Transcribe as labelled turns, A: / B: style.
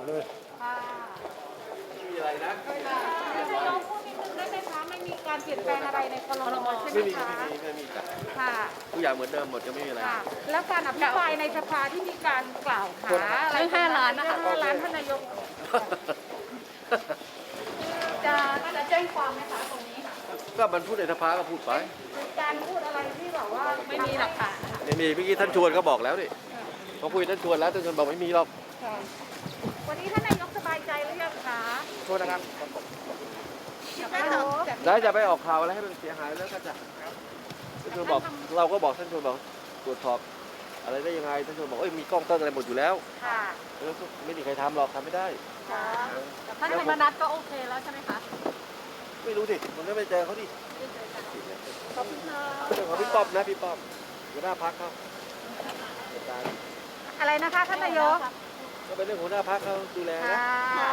A: เลย
B: ค่ะ
C: ไม่มีอะไรนะ
B: นายกพูดนิดนึงได้ไหมคะไม่มีการเปลี่ยนแปลงอะไรในครมใช่ไหม
C: ไม่มี
B: คะ
C: ไม่มีจ้ะ
B: ค่ะ
C: ทุกอย่างเหมือนเดิมหมดจะไม่มีอะไร
B: ค่ะ แล้วการอภิปรายในสภาที่มีการกล่าวหาอะไร
D: เรื่อง5 ล้านนะคะ
B: เรื่อง5 ล้านท่านนายกจะแจ้งความไหมคะตรงนี้
C: ก็มันพูดในสภาก็พูดไป
B: การพูดอะไรที่แบบว่า
D: ไม่มีหลักฐานนะคะ
C: ไม่มีเมื่อกี้ท่านชวนก็บอกแล้วดิเขาคุยท่านชวนแล้วท่านชวนบอกไม่มีหรอก
B: ค่ะวันนี้ท่านนายกสบายใจหรือยังคะ
C: โทษนะครับ
B: ฮัลโหล
C: แล้วจะไปออกข่าวอะไรให้มันเสียหายแล้วก็จะท่านชวนบอกเราก็บอกท่านชวนบอกตรวจสอบอะไรได้ยังไงท่านชวนบอกเอ้ยมีกล้องต้นอะไรหมดอยู่แล้ว
B: ค่ะ
C: แล้วก็ไม่มีใครทำหรอกทำไม่ได้
B: ค่ะ
D: แต่ท่านธรรมนัฐก็โอเคแล้วใช่ไหมคะ
C: ไม่รู้ดิมันก็ไม่เจอเขาดิ
B: ขอบคุณค่ะ
C: เรื่องของพี่ป้อมนะพี่ป้อมหัวหน้าพักเขาจัดการ
B: อะไรนะคะท่านนายก
C: ก็เป็นเรื่องหัวหน้าพักเขาดูแลนะ
B: ค่ะ